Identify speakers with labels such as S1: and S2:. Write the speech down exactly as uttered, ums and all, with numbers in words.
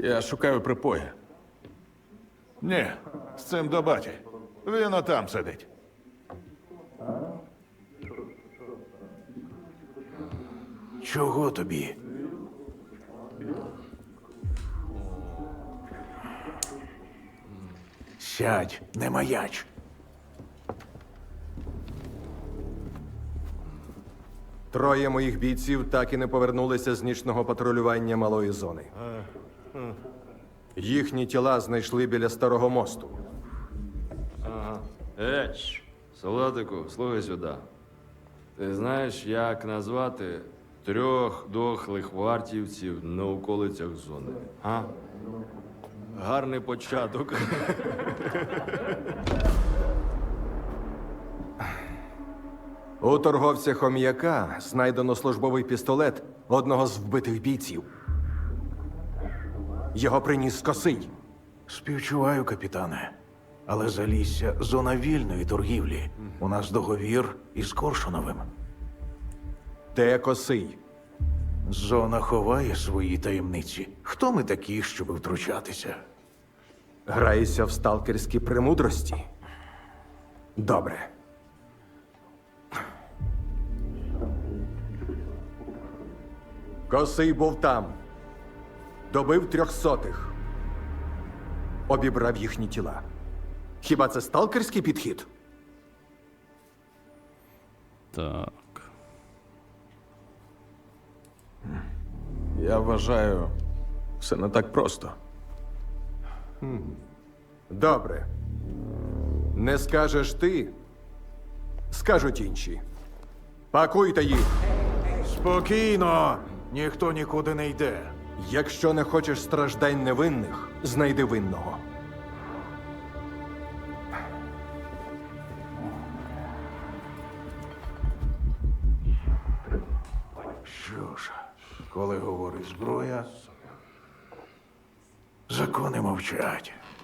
S1: Я шукаю припоя.
S2: Ні, з цим до баті. Він отам сидить.
S3: Чого тобі? Сядь, не маяч.
S4: Троє моїх бійців так і не повернулися з нічного патрулювання малої зони. Їхні тіла знайшли біля старого мосту.
S5: Еч, солдатику, слухай сюди. Ти знаєш, як назвати трьох дохлих вартівців на околицях зони? А? Гарний початок.
S4: У торговця хом'яка знайдено службовий пістолет одного з вбитих бійців. Його приніс Косий.
S3: Співчуваю, капітане. Але Залісся – зона вільної торгівлі. У нас договір із Коршуновим.
S4: Де Косий?
S3: Зона ховає свої таємниці. Хто ми такі, щоб втручатися?
S4: Граєшся в сталкерські премудрості? Добре. Косий був там. Добив трьохсотих. Обібрав їхні тіла. Хіба це сталкерський підхід?
S6: Так.
S1: Я вважаю, все не так просто.
S4: Добре. Не скажеш ти, скажуть інші. Пакуйте їх.
S3: Спокійно! Ніхто нікуди не йде.
S4: Якщо не хочеш страждань невинних, знайди винного.
S3: Що ж, коли говорить зброя, закони мовчать.